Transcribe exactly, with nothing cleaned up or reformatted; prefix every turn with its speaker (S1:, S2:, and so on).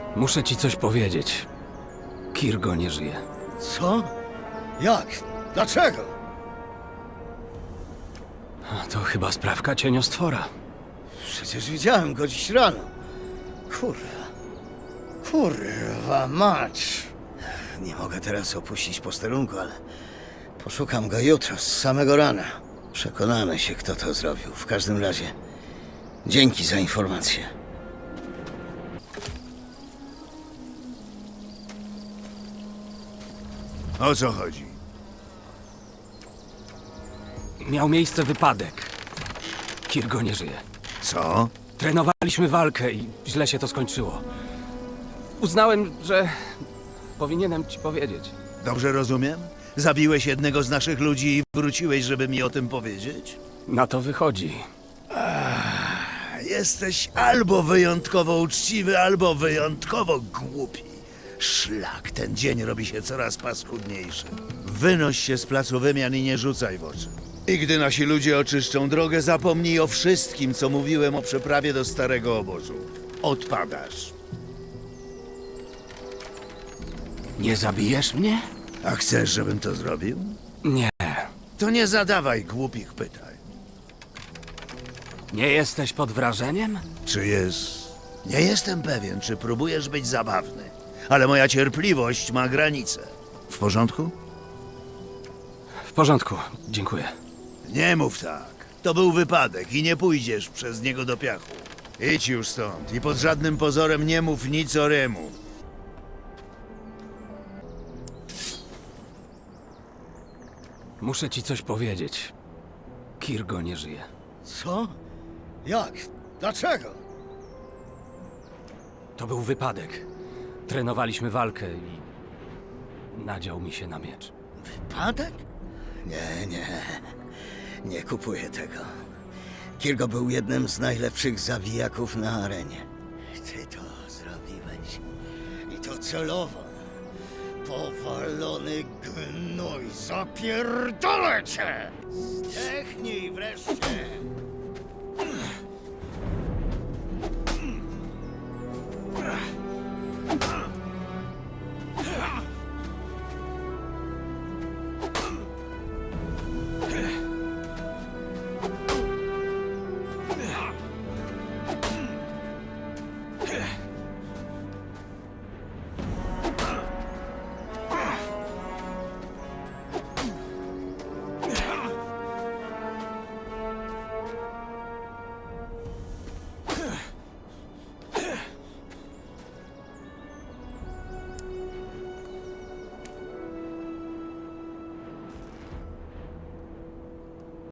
S1: Muszę ci coś powiedzieć. Kirgo nie żyje.
S2: Co? Jak? Dlaczego?
S1: A to chyba sprawka cieniostwora.
S2: Przecież widziałem go dziś rano. Kurwa. Kurwa mać. Nie mogę teraz opuścić posterunku, ale poszukam go jutro, z samego rana. Przekonamy się, kto to zrobił. W każdym razie, dzięki za informację.
S3: O co chodzi?
S1: Miał miejsce wypadek. Kirgo nie żyje.
S3: Co?
S1: Trenowaliśmy walkę i źle się to skończyło. Uznałem, że powinienem ci powiedzieć.
S3: Dobrze rozumiem? Zabiłeś jednego z naszych ludzi i wróciłeś, żeby mi o tym powiedzieć?
S1: Na to wychodzi.
S3: Jesteś albo wyjątkowo uczciwy, albo wyjątkowo głupi. Szlak, ten dzień robi się coraz paskudniejszy. Wynoś się z placu wymian i nie rzucaj w oczy. I gdy nasi ludzie oczyszczą drogę, zapomnij o wszystkim, co mówiłem o przeprawie do starego obozu. Odpadasz.
S1: Nie zabijesz mnie?
S3: A chcesz, żebym to zrobił?
S1: Nie.
S3: To nie zadawaj głupich pytań.
S1: Nie jesteś pod wrażeniem?
S3: Czy jest... Nie jestem pewien, czy próbujesz być zabawny, ale moja cierpliwość ma granice. W porządku?
S1: W porządku, dziękuję.
S3: Nie mów tak. To był wypadek i nie pójdziesz przez niego do piachu. Idź już stąd i pod żadnym pozorem nie mów nic o Remu.
S1: Muszę ci coś powiedzieć. Kirgo nie żyje.
S2: Co? Jak? Dlaczego?
S1: To był wypadek. Trenowaliśmy walkę i nadział mi się na miecz.
S2: Wypadek? Nie, nie. Nie kupuję tego. Kirgo był jednym z najlepszych zabijaków na arenie. Ty to zrobiłeś. I to celowo. Powalony gnój, zapierdolę cię! Zdechnij wreszcie!